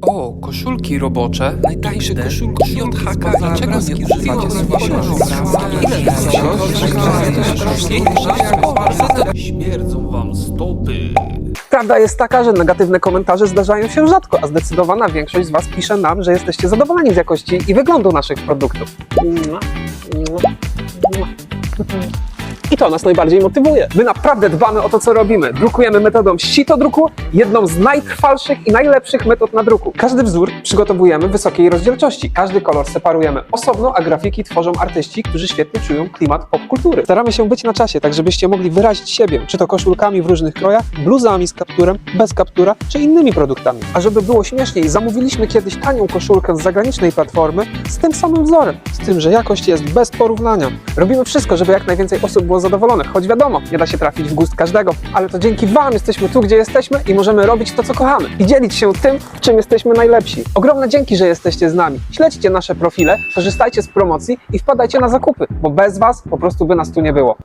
O, koszulki robocze, najtańsze koszulki JHK. Dlaczego nie używacie Śmierdzą wam stopy. Prawda jest taka, że negatywne komentarze zdarzają się rzadko, a zdecydowana większość z Was pisze nam, że jesteście zadowoleni z jakości i wyglądu naszych produktów. I to nas najbardziej motywuje. My naprawdę dbamy o to, co robimy. Drukujemy metodą sitodruku, jedną z najtrwalszych i najlepszych metod na druku. Każdy wzór przygotowujemy w wysokiej rozdzielczości. Każdy kolor separujemy osobno, a grafiki tworzą artyści, którzy świetnie czują klimat popkultury. Staramy się być na czasie, tak żebyście mogli wyrazić siebie, czy to koszulkami w różnych krojach, bluzami z kapturem, bez kaptura, czy innymi produktami. A żeby było śmieszniej, zamówiliśmy kiedyś tanią koszulkę z zagranicznej platformy z tym samym wzorem, z tym, że jakość jest bez porównania. Robimy wszystko, żeby jak najwięcej osób było zadowolonych, choć wiadomo, nie da się trafić w gust każdego, ale to dzięki Wam jesteśmy tu, gdzie jesteśmy i możemy robić to, co kochamy i dzielić się tym, w czym jesteśmy najlepsi. Ogromne dzięki, że jesteście z nami. Śledźcie nasze profile, korzystajcie z promocji i wpadajcie na zakupy, bo bez Was po prostu by nas tu nie było.